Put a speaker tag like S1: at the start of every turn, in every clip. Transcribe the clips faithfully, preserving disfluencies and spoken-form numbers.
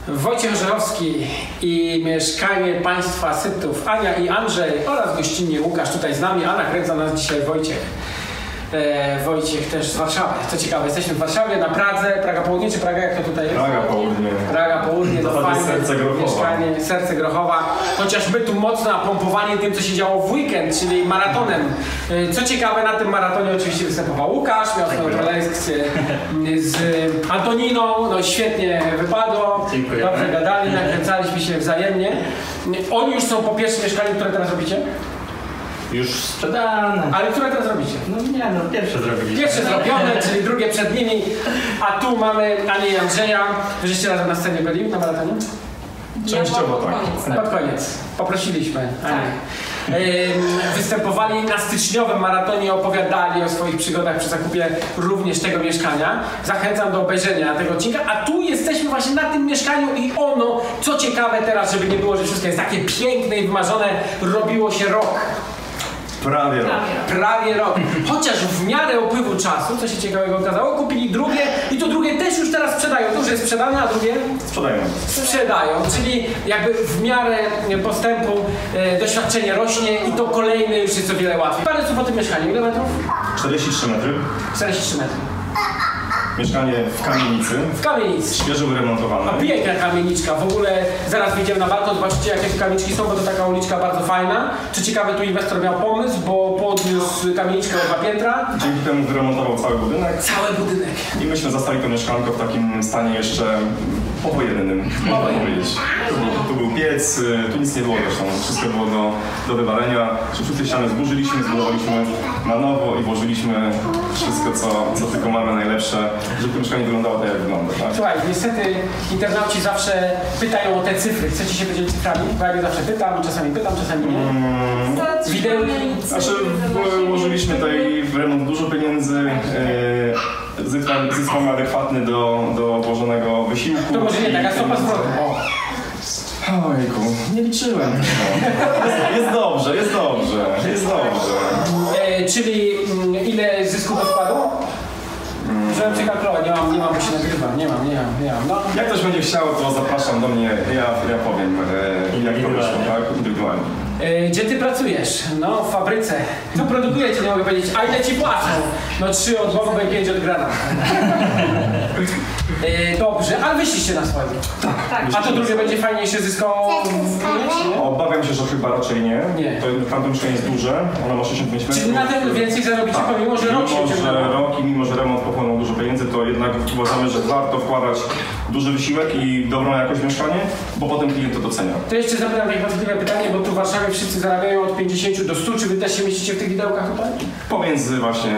S1: Wojciech Żerowski i mieszkanie państwa Sytów, Ania i Andrzej oraz gościnnie Łukasz tutaj z nami, a nakręca nas dzisiaj Wojciech. E, Wojciech też z Warszawy. Co ciekawe, jesteśmy w Warszawie, na Pradze, Praga Południe czy Praga, jak to tutaj jest?
S2: Praga Południe.
S1: Praga Południe, to fajne
S2: serce Grochowa.
S1: mieszkanie, serce Grochowa. Chociaż my tu mocno napompowani tym, co się działo w weekend, czyli maratonem. E, co ciekawe, na tym maratonie oczywiście występował Łukasz, miał swoją prelekcję z Antoniną, no świetnie wypadło.
S3: Dziękuję.
S1: Dobrze gadali, nakręcaliśmy się wzajemnie. Oni już są po pierwszym mieszkaniu, które teraz robicie?
S3: Już sprzedane.
S1: Ale które teraz robicie?
S3: No nie, no pierwsze zrobiliśmy.
S1: Pierwsze zrobione, czyli drugie przed nimi, a tu mamy Anię i Andrzeja. Wy żeście razem na scenie byli na maratonie?
S2: Częściowo tak.
S1: Tak. Pod koniec. Poprosiliśmy Anię. Występowali na styczniowym maratonie, opowiadali o swoich przygodach przy zakupie również tego mieszkania. Zachęcam do obejrzenia tego odcinka, a tu jesteśmy właśnie na tym mieszkaniu i ono, co ciekawe teraz, żeby nie było, że wszystko jest takie piękne i wymarzone, robiło się rok.
S2: Prawie rok.
S1: Prawie rok. Chociaż w miarę upływu czasu, co się ciekawego okazało, kupili drugie i to drugie też już teraz sprzedają. To już jest sprzedane, a drugie
S2: Sprzedają.
S1: sprzedają. Czyli jakby w miarę postępu e, doświadczenie rośnie i to kolejne już jest o wiele łatwiej. Parę słów o tym mieszkaniu. Ile metrów?
S2: czterdzieści trzy metry.
S1: czterdzieści trzy metry.
S2: Mieszkanie w kamienicy.
S1: W kamienicy.
S2: Świeżo wyremontowane.
S1: A piękna kamieniczka. W ogóle zaraz wyjdziemy na balkon, zobaczycie jakie tu kamieniczki są, bo to taka uliczka bardzo fajna. Czy ciekawe, tu inwestor miał pomysł, bo podniósł kamieniczkę o dwa piętra.
S2: Dzięki temu wyremontował cały budynek.
S1: Cały budynek.
S2: I myśmy zastali to mieszkanko w takim stanie jeszcze powojennym. Można powiedzieć. Tu był, tu był piec, tu nic nie było zresztą. Wszystko było do, do wywalenia. Wszystkie ściany zburzyliśmy, zbudowaliśmy na nowo i włożyliśmy wszystko, co, co tylko mamy najlepsze, żeby to mieszkanie wyglądało tak, jak wygląda. Tak?
S1: Słuchaj, niestety internauci zawsze pytają o te cyfry. Chcecie się podzielić cyframi? Bo ja je zawsze pytam, czasami pytam, czasami nie.
S2: Mm,
S1: Wideo...
S2: znaczy, włożyliśmy tutaj w remont dużo pieniędzy. Yy, zysk, zysk mamy adekwatny do, do włożonego wysiłku.
S1: To może nie taka stopa zwrotu.
S2: Ojku, nie liczyłem. Jest, jest dobrze, jest dobrze, jest dobrze.
S1: E, czyli mm, ile zysku do wkładu? Żebym przekalkulował, nie mam, nie mam, bo się nagrywa, nie mam, nie mam, nie mam. No.
S2: Jak ktoś będzie chciał, to zapraszam do mnie, ja, ja powiem, e, jak to wyszło, tak? Indywidualnie.
S1: E, gdzie ty pracujesz? No, w fabryce. Co produkujecie, nie mogę powiedzieć, a ile ci płacą? No trzy od bomby i pięć od granat. E, dobrze, ale wyszliście na swoim.
S2: Tak.
S1: A to drugie będzie fajniejsze zyskowo?
S2: Obawiam się, że chyba raczej nie.
S1: Nie.
S2: To tamto mieszkanie jest duże, ono ma sześćdziesiąt pięć metrów.
S1: Czyli na tym więcej zarobicie,
S2: tak.
S1: pomimo że rok się
S2: Mimo, że
S1: ciągnęło.
S2: rok i mimo, że remont pochłonął dużo pieniędzy, to jednak uważamy, że warto wkładać duży wysiłek i dobrą jakość mieszkanie, bo potem klient to docenia.
S1: To jeszcze zapytam takie podchwytliwe pytanie, bo tu w Warszawie wszyscy zarabiają od pięćdziesięciu do stu. Czy wy też się mieścicie w tych widełkach tutaj?
S2: Pomiędzy właśnie...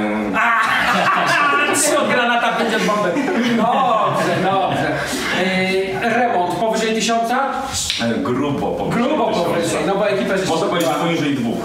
S1: Trzy od granata, pięć od bomby. Dobrze, dobrze. Yy, remont powyżej tysiąca?
S2: E, grubo powyżej.
S1: Grubo
S2: tysiąca.
S1: powyżej, no bo ekipę żeście...
S2: Można powiedzieć poniżej dwóch.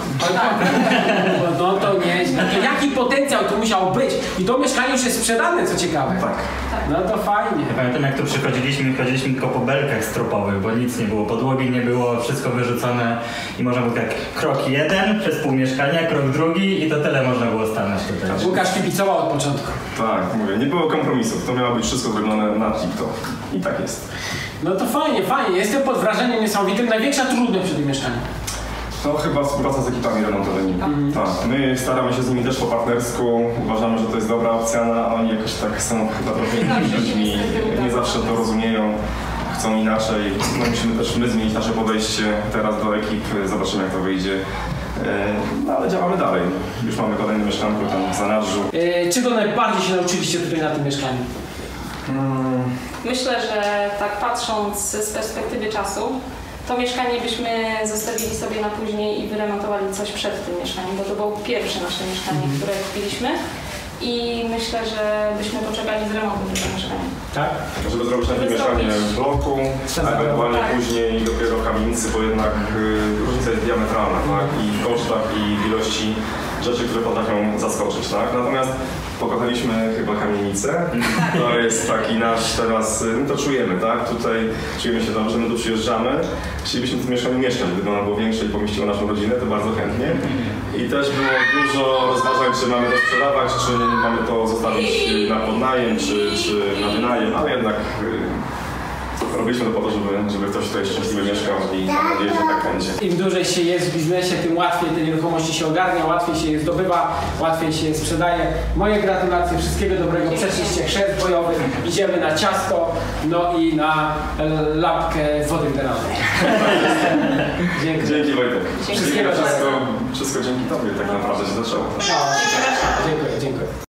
S1: No to nie, no to jaki potencjał tu musiał być? I to mieszkanie już jest sprzedane, co ciekawe.
S2: Tak.
S1: No to fajnie.
S3: Ja pamiętam, jak tu przychodziliśmy, chodziliśmy tylko po belkach stropowych, bo nic nie było, podłogi nie było, wszystko wyrzucone i można było tak krok jeden przez pół mieszkania, krok drugi i to tyle można było stanąć tutaj.
S1: Łukasz kibicował od początku.
S2: Tak, mówię, nie było kompromisów, to miało być wszystko zrobione na TikTok. I tak jest.
S1: No to fajnie, fajnie. Jestem pod wrażeniem niesamowitym. Największa trudność przy tym mieszkaniu.
S2: To chyba współpraca z ekipami remontowymi. Mm. Tak, my staramy się z nimi też po partnersku, uważamy, że to jest dobra opcja, no, a oni jakoś tak są chyba trochę innymi ludźmi, nie zawsze to rozumieją, chcą inaczej. No, musimy też my zmienić nasze podejście teraz do ekip, zobaczymy jak to wyjdzie. No ale działamy dalej. Już mamy kolejne mieszkanko tam w zanadrzu.
S1: Yy, czego najbardziej się nauczyliście tutaj na tym mieszkaniu?
S2: Hmm.
S4: Myślę, że tak patrząc z perspektywy czasu, to mieszkanie byśmy zostawili sobie na później i wyremontowali coś przed tym mieszkaniem, bo to było pierwsze nasze mieszkanie, mm. które kupiliśmy. I myślę, że byśmy poczekali z remontem tego mieszkania.
S1: Tak?
S2: Żeby zrobić takie mieszkanie w bloku, a ewentualnie tak. później dopiero w kamienicy, bo jednak y, różnica jest diametralna, tak? I w kosztach, i w ilości rzeczy, które potrafią zaskoczyć, tak? Natomiast pokochaliśmy chyba kamienicę. To jest taki nasz teraz, my to czujemy, tak? Tutaj czujemy się dobrze, my tu przyjeżdżamy. Chcielibyśmy w tym mieszkaniu mieszkać, gdyby ono było większe i pomieściło naszą rodzinę, to bardzo chętnie. I też było dużo rozważań, czy mamy to sprzedawać, czy mamy to zostawić na podnajem, czy, czy na wynajem, ale jednak robiliśmy to po to, żeby, żeby ktoś tutaj szczęśliwie mieszkał i mam nadzieję, że tak będzie.
S1: Im dłużej się jest w biznesie, tym łatwiej te nieruchomości się ogarnia, łatwiej się je zdobywa, łatwiej się je sprzedaje. Moje gratulacje, wszystkiego dobrego, przeszliście chrzest bojowy, idziemy na ciasto, no i na e, lampkę wody mineralnej. Dzięki.
S2: Dzięki Wojtek.
S1: Wszystkiego
S2: Wszystko,
S1: dobrego.
S2: wszystko dzięki Tobie tak naprawdę się zaczęło.
S1: No, dziękuję, dziękuję.